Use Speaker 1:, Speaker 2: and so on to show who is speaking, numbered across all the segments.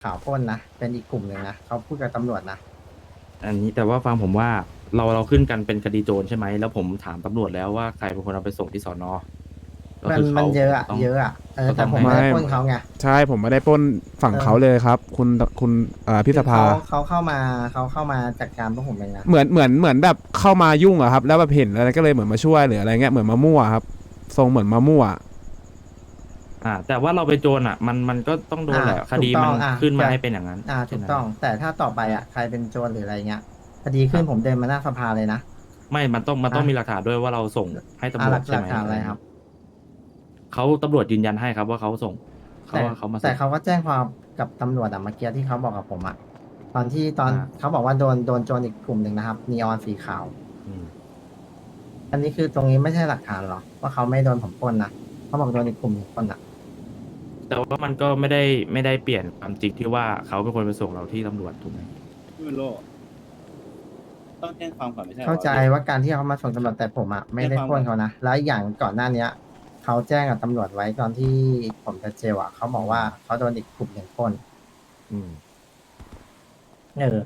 Speaker 1: ข่าวปล้นนะเป็นอีกกลุ่มหนึ่งนะเขาพูดกับตำรวจนะ
Speaker 2: อันนี้แต่ว่าฟังผมว่าเราขึ้นกันเป็นคดีโจรใช่ไหมแล้วผมถามตำรวจแล้วว่าใครเป็นคนเอาไปส่งที่สอนอก็
Speaker 1: มัน
Speaker 2: คือเขา
Speaker 1: เยอะอะ
Speaker 2: ต้อง
Speaker 1: เยอะอะ
Speaker 2: ก็ต้อง
Speaker 1: แต่ผม
Speaker 2: ให้
Speaker 1: ไม่ได้ปล้นเขาไง
Speaker 3: ใช่ผมไม่ได้ปล้นฝั่งเขาเลยครับ คุณพิสภา
Speaker 1: เขาเข้ามาจัดการพวกผมเองนะ
Speaker 3: เหมือนแบบเข้ามายุ่งอะครับแล้วแบบเห็นอะไรก็เลยเหมือนมาช่วยหรืออะไรเงี้ยเหมือนมามั่วครับทรงเหมือนมามั่ว
Speaker 2: แต่ว่าเราไปโจรมันก็ต้องโดนแหละคดีมันขึ้นมาให้เป็นอย่างนั้น
Speaker 1: ถูกต้องแต่ถ้าต่อไปใครเป็นโจรหรืออะไรเงี้ยคดีขึ้นผมเดินมาหน้าสภาเลยนะ
Speaker 2: ไม่มันต้องมีหลักฐานด้วยว่าเราส่งให้ตำรวจใช่ไหม
Speaker 1: ฐานอะไรครับ
Speaker 2: เขาตำรวจยืนยันให้ครับว่าเขาส่งเขา
Speaker 1: แต่
Speaker 2: ว่าเขามาส่
Speaker 1: แต่
Speaker 2: ง
Speaker 1: เขาก็แจ้งความกับตำรวจเมื่อกี้ที่เขาบอกกับผมตอน
Speaker 2: อ่า
Speaker 1: เขาบอกว่าโดนโจรอีกกลุ่มหนึ่งนะครับนีออนสีขาว
Speaker 2: อืม
Speaker 1: อันนี้คือตรงนี้ไม่ใช่หลักฐานหรอว่าเขาไม่โดนผมปล้นนะเขาบอกโดนอีกกลุ่มหนึ่งปล้น
Speaker 2: แต่ว่ามันก็ไม่ได้เปลี่ยนความจริงที่ว่าเขาเป็นคนไปส่งเราที่ตำรวจถูกไหม
Speaker 4: ไม่เป็นโรคต้องแจ้งความก่อนไม่ใช่หรอ
Speaker 1: เข้าใจว่าการที่เขามาส่งตำรวจแต่ผมไม่ได้ปล้นเขานะแล้วอย่างก่อนหน้าเนี้ยเขาแจ้งกับตำรวจไว้ตอนที่ผมจะเจลเขาบอกว่าเขาโดนอีกกลุ่มหนึ่งปล้น
Speaker 2: อืม
Speaker 1: เออ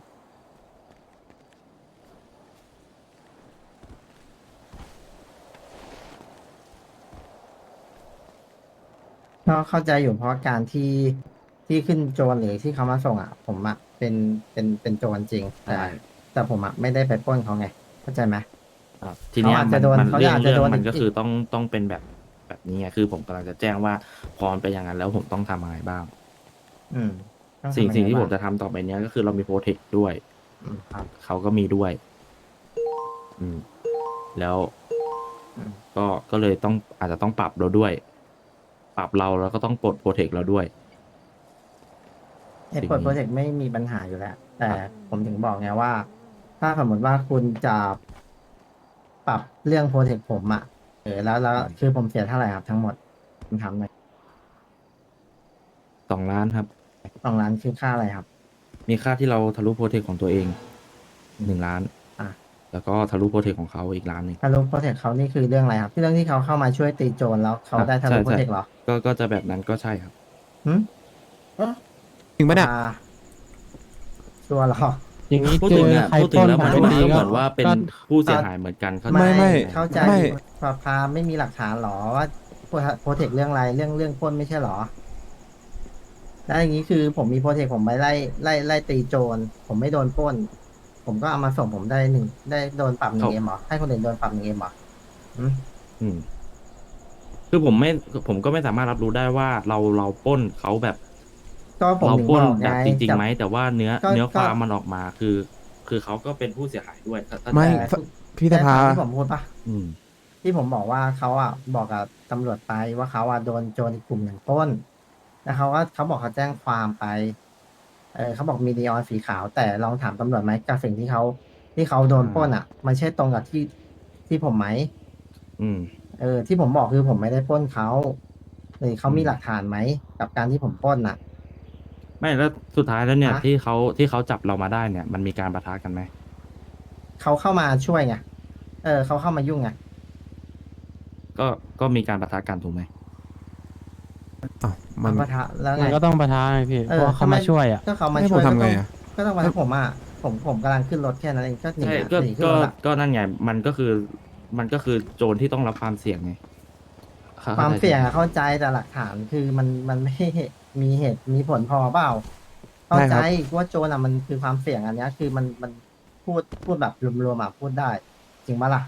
Speaker 1: ก็เข้าใจอยู่เพราะการที่ขึ้นโจรหรือที่เขามาส่งผมเป็นโจรจริงแต่ผมไม่ได้ไปปล้นเขาไงเข้าใจไหม
Speaker 2: ทีเนี้ย
Speaker 1: เขาอาจจะโดน
Speaker 2: มัน
Speaker 1: เขา
Speaker 2: เรื่อง
Speaker 1: อาจจะโดน
Speaker 2: มันก็
Speaker 1: อีก
Speaker 2: คือต้องเป็นแบบนี้ไงคือผมกำลังจะแจ้งว่าพอมันเป็นอย่างนั้นแล้วผมต้องทำอะไรบ้าง
Speaker 1: อืมต้อง
Speaker 2: สิ่ง
Speaker 1: ทำยั
Speaker 2: สิ่ง
Speaker 1: ไบ้า
Speaker 2: ที่ผมจะทำต่อไปเนี้ยก็คือเรามีโปรเทคด้วย
Speaker 1: ครับ
Speaker 2: เขาก็มีด้วย อืม แล้ว
Speaker 1: อืม
Speaker 2: ก็เลยอาจจะต้องปรับเราด้วย ปรับเราแล้วก็ต้องปลดโปรเทคเราด้วย
Speaker 1: ปลดโปรเจกต์ไม่มีปัญหาอยู่แล้ว แต่ผมถึงบอกไงว่า ถ้าสมมติว่าคุณจะปรับเรื่องโปรเจกต์ผมแล้วคือผมเสียเท่าไหร่ครับทั้งหมดคุณทำหน่อย
Speaker 2: 2 ล้านครับ
Speaker 1: 2 ล้านคือค่าอะไรครับ
Speaker 2: มีค่าที่เราทะลุโปรเทคของตัวเอง1 ล้าน
Speaker 1: อ่ะ
Speaker 2: แล้วก็ทะลุโปรเทคของเขาอีก1 ล้าน
Speaker 1: ทะลุโปรเจกต์เขานี่คือเรื่องอะไรครับที่เรื่องที่เขาเข้ามาช่วยตีโจรแล้วเขาได้ทะลุโปรเจกต์เหรอ
Speaker 2: ก็จะแบบนั้นก็ใช่ครับ
Speaker 1: หืม
Speaker 3: จริงปะเนี่ย
Speaker 1: ชัวร์เหรอ
Speaker 5: อย่างนี้
Speaker 2: พูด
Speaker 5: เจ
Speaker 2: ถึง
Speaker 5: อ
Speaker 2: เนี่ย
Speaker 5: ใคร
Speaker 2: พูด
Speaker 5: ป
Speaker 2: ถึ
Speaker 5: ล้
Speaker 2: ง
Speaker 5: น
Speaker 2: แล้ว
Speaker 5: มา
Speaker 2: มัน
Speaker 5: ไม่
Speaker 2: ก็
Speaker 5: ดี
Speaker 2: เห
Speaker 5: ก็
Speaker 2: มือนว่าเป็น
Speaker 5: ก็
Speaker 2: ผู้เสียหายเหมือนกันเขา
Speaker 3: ไม่
Speaker 1: เข้าใจ
Speaker 3: ไม่
Speaker 1: สภาไม่มีหลักฐานหรอว่าโปรเทคเรื่องอะไรเรื่องปล้นไม่ใช่หรอแล้วอย่างนี้คือผมมีโปรเทคผมไปไล่ตีโจรผมไม่โดนปล้น ผมก็เอามาส่งผมได้โดนปรับ1 เอ็มเหรอให้คนอื่นโดนปรับ1 เอ็มเหรอหืม
Speaker 2: อืมคือผมก็ไม่สามารถรับรู้ได้ว่าเราปล้นเขาแบบ
Speaker 1: ก็ผม
Speaker 2: เรา
Speaker 1: ถึง
Speaker 2: ปล้น
Speaker 1: บอก
Speaker 2: แบ
Speaker 1: ไง
Speaker 2: บจริงๆไหมแต่ว่าเนื้อ
Speaker 1: ก็
Speaker 2: ความมันออกมาคือเขาก็เป็นผู้เสียหายด้วยถ้า
Speaker 3: ไม่
Speaker 1: แต่
Speaker 3: พี่สภา
Speaker 1: แต่ที่ผมพูดปะ
Speaker 2: อืม
Speaker 1: ที่ผมบอกว่าเขาบอกกับตำรวจไปว่าเขาโดนโจรอีกกลุ่มหนึ่งปล้นแล้วเขาบอกเขาแจ้งความไปเขาบอกมีนีออนสีขาว แต่ลองถามตำรวจไหมกับสิ่งที่เขาโดนปล้นมันใช่ตรงกับที่ผมไหม
Speaker 2: อืม
Speaker 1: ที่ผมบอกคือผมไม่ได้ปล้นเขาหรือเขามี
Speaker 2: อืม
Speaker 1: หลักฐานไหมกับการที่ผมปล้น
Speaker 2: ไม่แล้วสุดท้ายแล้วเนี่ย
Speaker 1: ฮะ
Speaker 2: ที่เขาจับเรามาได้เนี่ย มันมีการปะทะกันไหม
Speaker 1: เขาเข้ามาช่วยไงเขาเข้ามายุ่งไง
Speaker 2: ก็มีการปะทะกันถูกไหม
Speaker 3: อ้าวมัน
Speaker 1: ปะทะแล้วไง
Speaker 5: มันก็ต้องประทาไงพี่ เพราะว่าเขามาช่วยอ่ะ
Speaker 1: ก็เขามา
Speaker 3: ให้
Speaker 1: ช่
Speaker 3: ผ
Speaker 1: วย
Speaker 3: มทำไงอะ
Speaker 1: ก็ต้องมาให้ผมกำลังขึ้นรถแค่นั้นเองก็หนี
Speaker 2: ใช่
Speaker 1: หนีขึ้นรถ
Speaker 2: ก็นั่นไงมันก็คือโจรที่ต้องรับความเสี่ยงไง
Speaker 1: ความเสี่ยงเข้าใจแต่หลักฐานคือมันไม่มีเหตุมีผลพอเปล่าเข้าใจว่าโจรมันคือความเสี่ยงอันเนี้ยคือมันพูดแบบรวมๆพูดได้ จริงปะล่ะ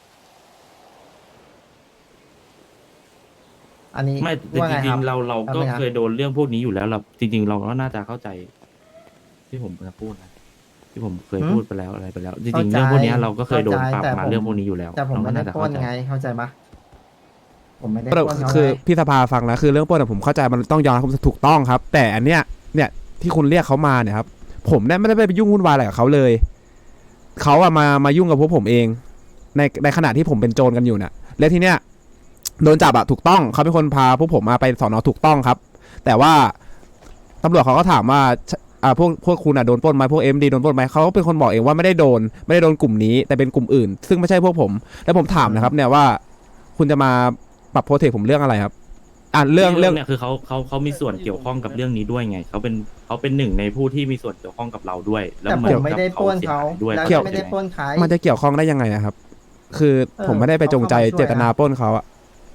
Speaker 1: อันนี้
Speaker 2: ไม่แต่
Speaker 1: ว่า
Speaker 2: จ
Speaker 1: ไง
Speaker 2: ริ
Speaker 1: ค
Speaker 2: ง
Speaker 1: บ
Speaker 2: ๆเราก็
Speaker 1: อาไหมรับ
Speaker 2: เคยโดนเรื่องพวกนี้อยู่แล้วเราจริง ๆ เราก็น่าจะเข้าใจ ที่ผมจะพูดนะที่ผมเคยพูดไปแล้วอะไรไปแล้ว จริงๆเรื่องพวกเนี้ยเราก็เคยโดนปรับมาเรื่องพวกนี้อยู่แล้ว
Speaker 1: แต่ผม
Speaker 2: เรา
Speaker 1: ไม่
Speaker 2: ก็
Speaker 1: ได้
Speaker 2: น่าจะ
Speaker 1: ปล้
Speaker 2: เข้าน ใจ
Speaker 1: ไงเข้าใจปะผมไม่ได้ปล้นเขา
Speaker 3: คือ
Speaker 1: ไง
Speaker 3: พี่สภาฟังนะคือเรื่องปล้นผมเข้าใจมันต้องยอมรับถูกต้องครับ แต่อันเนี้ยที่คุณเรียกเขามาเนี่ยครับผมไม่ได้ไปยุ่งวุ่นวายอะไรกับเขาเลยเขามายุ่งกับพวกผมเองในขณะที่ผมเป็นโจรกันอยู่เนี่ยและทีเนี้ยโดนจับถูกต้องเขาเป็นคนพาพวกผมมาไปสอนอถูกต้องครับ แต่ว่าตำรวจเขาก็ถามว่าพวกคุณโดนปล้นไหมพวกMDโดนปล้นไหมเขาก็เป็นคนบอกเองว่าไม่ได้โดนกลุ่มนี้แต่เป็นกลุ่มอื่น ซึ่งไม่ใช่พวกผมแล้วผมถามนะครับเนี่ยว่าคุณจะมาปรับโปรเทคผมเรื่องอะไรครับเรื่อง
Speaker 2: เนี่ยคือเขามีส่วนเกี่ยวข้องกับเรื่องนี้ด้วยไงเขาเป็นหนึ่งในผู้ที่มีส่วนเกี่ยวข้องกับเราด้วย แล้ว
Speaker 1: แต่
Speaker 2: เห
Speaker 1: ผ
Speaker 2: มือน
Speaker 1: มไม่
Speaker 2: กับ
Speaker 1: ได้
Speaker 2: เขา
Speaker 1: ปล้น
Speaker 2: เสีย
Speaker 1: เขา
Speaker 2: หายด้วย
Speaker 1: แล้ว
Speaker 3: เกี่ยว
Speaker 1: ก็ไม่ได้ปล้นใคร
Speaker 3: มันจะเกี่ยวข้องได้ยังไงอะครับ คือผมไม่ได้ไปจงใจ
Speaker 1: เขาเข้ามาช่วย
Speaker 3: เจตนาปล้นเขาอะ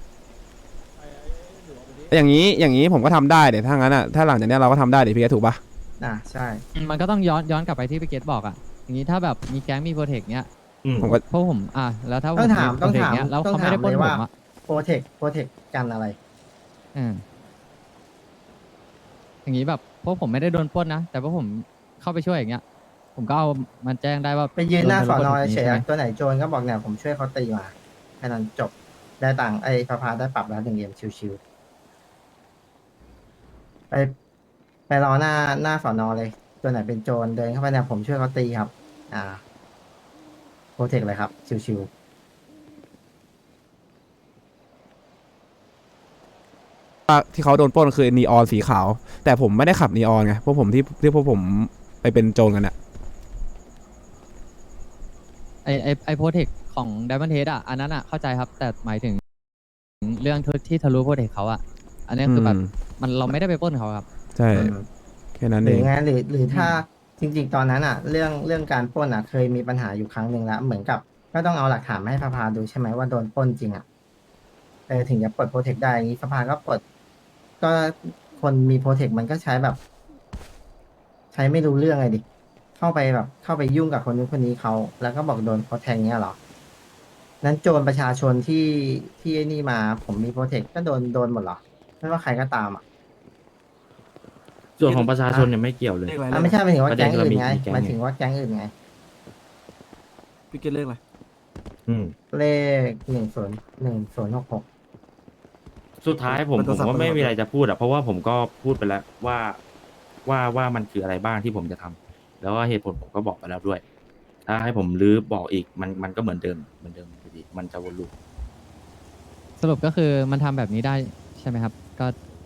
Speaker 3: อย่างนี้ผมก็ทำได้เดี๋ยวถ้างั้นอะถ้าหลังจากเนี้ยเราก็ทำได้เดี๋ยวพี่แกถูกปะ
Speaker 1: ใช่
Speaker 5: มันก็ต้องย้อนกลับไปที่พี่เกตบอกอ่ะ อย่างนี้ถ้าแบบมีแก๊งมีโปรเทคเนี้ย
Speaker 2: อืม
Speaker 3: ผมก็
Speaker 5: พวกผมแล้วถ้าผม
Speaker 1: ต้องถาม
Speaker 5: โปรเทคเนี้ยแล้ว
Speaker 1: ต้อง
Speaker 5: เขาไม่
Speaker 1: ถาม
Speaker 5: ได้ปล้น
Speaker 1: เลย
Speaker 5: ผ
Speaker 1: ว่า
Speaker 5: มอ่ะ
Speaker 1: โปรเทคกันอะไร
Speaker 5: อืมอย่างนี้แบบพวกผมไม่ได้โดนปล้นนะแต่พวกผมเข้าไปช่วยอย่างเงี้ย ผมก็เอามันแจ้งได้ว่า
Speaker 1: ไปยืนหน้าสอนอ
Speaker 5: โด
Speaker 1: เฉย
Speaker 5: ใช่ไหม
Speaker 1: ๆตัวไหนโจรก็บอกเนี่ยผมช่วยเขาตีมาแค่นั้นจบได้ตังค์ไอ้พาพาได้ปรับแล้ว1 เกมชิวๆไปรอหน้าสอนอเลย ตัวไหนเป็นโจรเดินเข้าไปเนี่ยผมช่วยเขาตีครับ โปรเทคเลยครับ ชิว
Speaker 3: ว่าที่เขาโดนปล้นคือนีออนสีขาว แต่ผมไม่ได้ขับนีออนไงพวกผมที่พวกผมไปเป็นโจรกันอะ
Speaker 5: ไอโปรเทคของไดมอนเทสอ่ะอันนั้นอ่ะเข้าใจครับ แต่หมายถึงเรื่องที่ทะลุโปรเทคเขาอ่ะ อันนี้คือแบบเราไม่ได้ไปปล้นเขาครับ
Speaker 3: ใช่
Speaker 1: ๆอืม
Speaker 3: แค่นั้น
Speaker 1: ห
Speaker 3: เอ
Speaker 1: รือง ไงหรือถ้าจริง ๆ ตอนนั้นอ่ะ เรื่องการปล้นอ่ะ เคยมีปัญหาอยู่ครั้งหนึ่งแล้ว เหมือนกับก็ต้องเอาหลักฐานมาให้พาพาดูใช่ไหมว่าโดนปล้นจริงอ่ะถึงจะปลดโปรเทคได้อย่างนี้สภาก็ปลดก็คนมีโปรเทคมันก็ใช้แบบ ใช้ไม่รู้เรื่องไงดิเข้าไปยุ่งกับคนนู้นคนนี้เขาแล้วก็บอกโดนเขาแทงเงี้ยเหรอนั้นโจรประชาชนที่ไอ้นี่มาผมมีโปรเทคก็โดนหมดเหรอไม่ว่าใครก็ตามอ่ะ
Speaker 2: ส่วนของประชาชนเนี่ยไม่เกี่ยวเลย
Speaker 1: ไม่ใช่หมายถึงว่า
Speaker 2: ประเด็
Speaker 1: แก๊
Speaker 2: น
Speaker 1: ง
Speaker 2: คือ
Speaker 1: อื่น
Speaker 2: มี
Speaker 1: ไง
Speaker 2: แก๊ง
Speaker 1: หมายถึงว่าแก๊งอื่นไง
Speaker 6: พี่เกตเลขอะไร
Speaker 2: อืม
Speaker 1: เลข101066
Speaker 2: สุดท้ายผม
Speaker 6: มัน
Speaker 2: ผ
Speaker 6: ก็
Speaker 2: ม
Speaker 6: สับ
Speaker 2: ก็ไม่
Speaker 6: ปะรด
Speaker 2: มีอะไรจะพูดอะเพราะว่าผมก็พูดไปแล้วว่ามันคืออะไรบ้างที่ผมจะทำแล้วก็เหตุผลผมก็บอกไปแล้วด้วย ถ้าให้ผมรื้อบอกอีกมันก็เหมือนเดิมอยู่ดีมันจะวนลูป
Speaker 5: สรุปก็คือมันทำแบบนี้ได้ใช่ไหมครับ ก็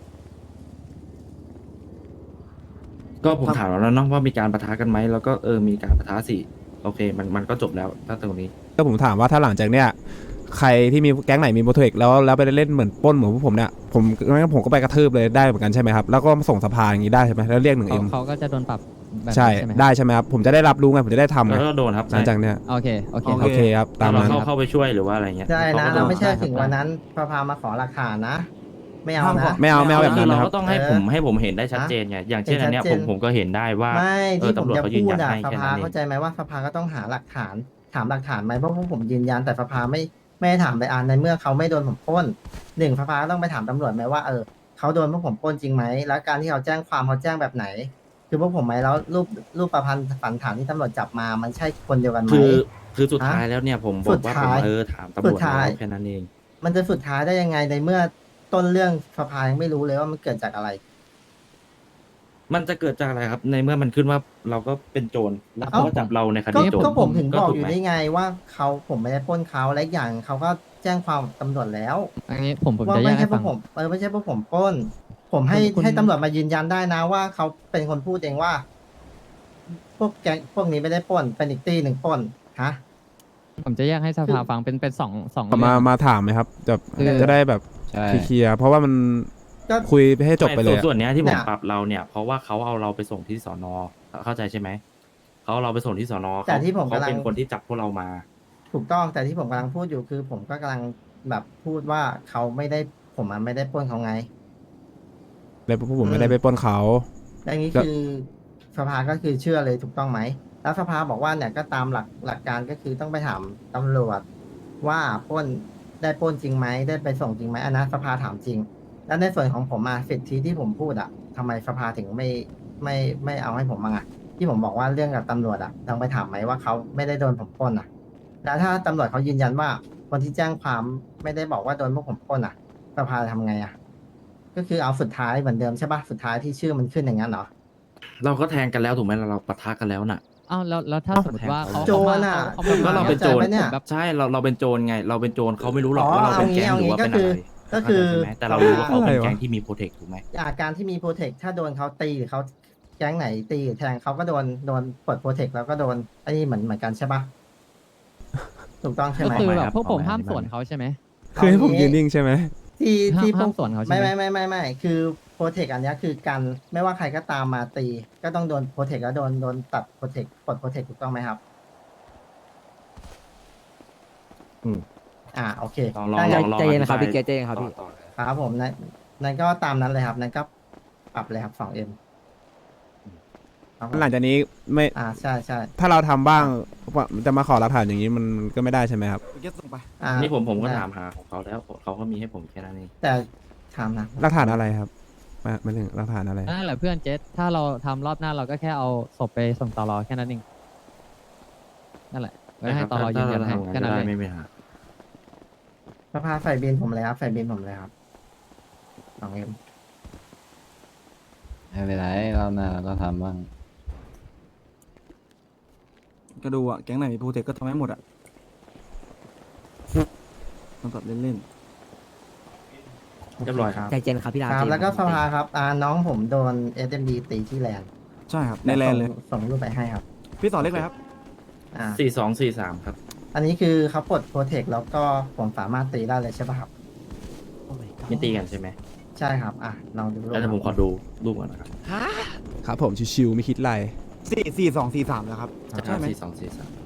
Speaker 2: ก็ผมถามแล้วเนาะว่ามีการปะทะกันไหมแล้วก็มีการปะทะสิโอเคมันก็จบแล้วถ้าตรงนี้
Speaker 3: ก็ผมถามว่าถ้าหลังจากเนี้ยใครที่มีแก๊งไหนมีโปรเทคแล้วไปเล่นเหมือนปล้นเหมือนพวกผมเนี่ยผมก็ไปกระทืบเลยได้เหมือนกันใช่ไหมครับแล้วก็ส่งสภาอย่างนี้ได้ใช่ไหมแล้วเรียก1M
Speaker 5: เขาก็จะโดนปรับแบบ
Speaker 3: ใช่
Speaker 5: นี้ใช่ไหมครับ
Speaker 3: ได้ใช่ไหมครับผมจะได้รับรู้ไงผมจะได้ทำไง
Speaker 2: แล้วก็โดนครับ
Speaker 3: หลังจากเนี้ย
Speaker 5: โอเคโอเค
Speaker 3: โอเคครับตา
Speaker 2: ถ้าม เรา
Speaker 3: นั้น
Speaker 2: เข้าไปช่วยหรือว่าอะไรเงี้ย
Speaker 1: ใช่นะ
Speaker 2: ขก็โด
Speaker 1: เราไม่ใช่
Speaker 5: ได้ครับ
Speaker 1: ถึงวันนั้นพามาขอหลักฐานนะ ไม่เอานะ
Speaker 3: ไม่เอาแบบ
Speaker 2: คื
Speaker 3: นั้
Speaker 2: อน เรา
Speaker 3: นะครับ
Speaker 2: ก็ต้องให้ผมเห็นได้ชัดเจนไงอย่างเช่นอันเนี้ย
Speaker 1: เห็นชัดเจน
Speaker 2: ผมก็เห็นได้ว่า
Speaker 1: ไม่ที่ผม
Speaker 2: ตำรวจ
Speaker 1: จะ
Speaker 2: เขายื
Speaker 1: พู
Speaker 2: น
Speaker 1: ด
Speaker 2: ยัน
Speaker 1: อะ
Speaker 2: ให้
Speaker 1: ส
Speaker 2: แค่
Speaker 1: ภา
Speaker 2: นั้นเอ
Speaker 1: เข้าง ใจไหมว่าสภาก็ต้องหาหลักฐานถามหลักฐานไหมเพราะพวกผมยืนยันแต่สภาไม่ได้ถามไปในเมื่อเขาไม่โดนผมปล้นสภาก็ต้องไปถามตำรวจไหมว่าเขาโดนพวกผมปล้นจริงไหมแล้วการที่เขาแจ้งความเขาแจ้งแบบไหน คือพวกผมไหมแล้วรูปประพันธ์สันฐานที่ตำรวจจับมามันใช่คนเดียวกันไหม
Speaker 2: คือสุดท้ายแล้วเนี่ยผมบอกว่า
Speaker 1: สุด
Speaker 2: ผม
Speaker 1: ท้าย
Speaker 2: ถามตำรวจ
Speaker 1: สุดท้าย
Speaker 2: แล้วแค่นั้นเอง
Speaker 1: มันจะสุดท้ายได้ยังไงในเมื่อต้นเรื่องสภายังไม่รู้เลยว่ามันเกิดจากอะไร
Speaker 2: มันจะเกิดจากอะไรครับ ในเมื่อมันขึ้นว่าเราก็เป็นโจรแล้วเขาก็จับเราในค
Speaker 1: ก็
Speaker 2: ดีโจร
Speaker 1: ก็ผมถึงบอก
Speaker 2: ถู
Speaker 1: อยู่
Speaker 2: ไหม
Speaker 1: ได้ไงว่าผมไม่ได้ปล้นเขาและอีกอย่างเขาก็แจ้งความกับตำรวจแล้ว
Speaker 5: อันนี้ผม
Speaker 1: ว่า
Speaker 5: จะแย
Speaker 1: ไม่
Speaker 5: ก
Speaker 1: ใช่
Speaker 5: ให้
Speaker 1: พว
Speaker 5: ฟั
Speaker 1: ก
Speaker 5: ง
Speaker 1: ผมไม่ใช่พวกผมปล้น ผมให้ตำรวจมายืนยันได้นะว่าเขาเป็นคนพูดเองว่า พวกแก๊งพวกนี้ไม่ได้ปล้นเป็นอีกตีหนึ่งปล้นฮะ
Speaker 5: ผมจะแยกให้สภาฟังเป็นสอง
Speaker 3: มา
Speaker 5: เรื่อง
Speaker 3: มาถามไหมครับจะได้แบบ
Speaker 5: ใช่
Speaker 3: เคลียร์เพราะว่ามัน
Speaker 1: ก็
Speaker 3: คุยให้จบไปเลย
Speaker 2: ส่วนเนี้ยที่ผ
Speaker 1: เนี่
Speaker 2: ม
Speaker 1: ย
Speaker 2: ปรับเราเนี่ยเพราะว่าเขาเอาเราไปส่งที่สอนอเข้าใจใช่ไหมเขาเอาเราไปส่งที่สอนอ
Speaker 1: แต่ที่ผม
Speaker 2: เขา
Speaker 1: กำลัง
Speaker 2: เป็นคนที่จับพวกเรามา
Speaker 1: ถูกต้องแต่ที่ผมกำลังพูดอยู่คือ ผมก็กำลังแบบพูดว่าเขาไม่ได้ผมไม่ได้ปล้นเขาไง
Speaker 3: เลยพวกผมไม่ได้ไปปล้นเขา
Speaker 1: และอย่างนี้
Speaker 3: แล้ว
Speaker 1: คือสภาก็คือเชื่อเลยถูกต้องไหม แล้วสภาบอกว่าเนี่ยก็ตามหลักการก็คือต้องไปถามตำรวจว่าปล้นได้ปล้นจริงไหมได้ไปส่งจริงไหมอันนั้นสภาถามจริง แล้วในส่วนของผมสิทธิที่ผมพูดทำไมสภาถึงไม่เอาให้ผมบ้างที่ผมบอกว่าเรื่องกับตำรวจต้องไปถามไหมว่าเขาไม่ได้โดนผมปล้นแล้วถ้าตำรวจเขายืนยันว่าคนที่แจ้งความไม่ได้บอกว่าโดนพวกผมปล้นสภาจะทำไงก็คือเอาสุดท้ายเหมือนเดิมใช่ปะสุดท้ายที่ชื่อมันขึ้นอย่างนั้นเหรอ
Speaker 2: เราก็แทงกันแล้วถูกไหมเราปะทะกันแล้วน่ะ
Speaker 5: อ้าวแล้วถ้าสมมติว่าเขา
Speaker 1: โจรน่ะ
Speaker 5: เขามา
Speaker 2: ก็เราเป็นโจร
Speaker 1: เข้าใจปะเนี่ย
Speaker 5: แบบ
Speaker 2: ใช่เราเป็นโจรไง เราเป็นโจรเขาไม่รู้หรอก
Speaker 1: อ๋อ
Speaker 2: ว่าเราเป็นแก๊ง
Speaker 1: เอา
Speaker 2: ห
Speaker 1: งี้
Speaker 2: รือว่าเป็นอะไร
Speaker 1: ก็คือ
Speaker 2: เข้าใจใช่ไหมแต่เรารู้ว่าเขาเป็น
Speaker 3: อะไรวะ
Speaker 2: แก๊งที่มีโปรเทคถูกไหม
Speaker 1: การที่มีโปรเทคถ้าโดนเขาตีหรือเขาแก๊งไหนตีหรือแทงเขาก็โดนปลดโปรเทคแล้วก็โดนอันนี้เหมือนกันใช่ปะถูกต้องใช่
Speaker 5: ก็
Speaker 1: ไหม
Speaker 5: คือ
Speaker 2: ไม่
Speaker 5: แบ
Speaker 2: ครับ บ
Speaker 5: พวกผม
Speaker 2: เอาไว้
Speaker 5: ห้าม
Speaker 2: อธิบาย
Speaker 5: สวนเขาใช่ไหม
Speaker 3: คือให้ผมยืนนิ่งใช่ไหม
Speaker 1: ที่
Speaker 5: ห้าม
Speaker 1: ที่พว
Speaker 5: ห้าก มสวนเขาใช่
Speaker 1: ไม่
Speaker 5: ไหม
Speaker 1: ไม่คือโปรเทคอันเนี้ยคือกันไม่ว่าใครก็ตามมาตี ก็ต้องโดนโปรเทคแล้วโดนตัดโปรเทคปลดโปรเทคถูกต้องไหมครับ
Speaker 2: อืม
Speaker 1: โอเค
Speaker 2: ลองลอง
Speaker 1: ได้
Speaker 2: ลองลอง
Speaker 7: ใจเย็นครับ
Speaker 2: อธิา
Speaker 7: พี่เกรทใจเย็นครับพี่
Speaker 2: ต่อเลย
Speaker 1: ครับผมนั่นก็ตามนั้นเลยครับนั่นก็ปรับเลยครับ 2M ครับผม
Speaker 3: หลังจากนี้ไม่
Speaker 1: ใช่ใช่
Speaker 3: ถ้าเราทำบ้างจะมาขอหลักฐานอย่างนี้มันก็ไม่ได้ใช่ไหมครับ
Speaker 6: พี่เกตส่งไป
Speaker 2: นี่ผมก็
Speaker 1: ได้
Speaker 2: ถามหาของเขาแล้วเขาก็มีให้ผมแค่นั้นเอง
Speaker 1: แต่ถามนะ
Speaker 3: หลักฐานอะไรครับมาถึงหลักฐานอะไร
Speaker 5: นั่นแหละเพื่อนเจสถ้าเราทำรอบหน้าเราก็แค่เอาศพไปส่งตลอแค่นั้นเองนั่นแหละไว้ให้ตลอยืนยันให้
Speaker 2: ถ้า
Speaker 5: แค่
Speaker 2: เรา
Speaker 5: นั้น
Speaker 2: ทำงาน
Speaker 5: เลย
Speaker 2: ได้ไม่มีปัญหา
Speaker 1: สภาไฟบินผมเลยครับไฟบินผมเลยครับ 2M
Speaker 8: ไม่เป็นไรรอบหน้าเราก็ทำบ้าง
Speaker 6: ก็ดูอ่ะ แก๊งไหนมีโปรเทคก็ทำให้หมดอ่ะต้องตัดเล่น
Speaker 2: เรียบร้อยครับ
Speaker 7: ใจเย็นครับพี่ดาว
Speaker 1: ครับ
Speaker 7: ใจเย็น
Speaker 1: แล้วก็
Speaker 7: ค
Speaker 1: ส
Speaker 7: รับ
Speaker 1: ภาครับน้องผมโดน SMD ตีที่แลนด์
Speaker 6: ๆ ใช่ครับ ในแลนเลย
Speaker 1: ส่งรูปไปให้ครับ
Speaker 6: พี่สอนเลขอะไรครับ
Speaker 1: อ่า
Speaker 2: 4243ครับ
Speaker 1: อันนี้คือเขาปลดโปรเทคแล้วก็ผมสามารถตีได้เลยใช่ป่ะครับ
Speaker 2: ไม่ตีกันใช่ไหม
Speaker 1: ใช่ครับลองดูรูป
Speaker 2: แล้วแต่ผมขอดูรูปก่อนนะครับ
Speaker 3: ครับผมชิวๆไม่คิดอะไร
Speaker 6: 4243แล้วครับ ใช่ไหม
Speaker 2: 4243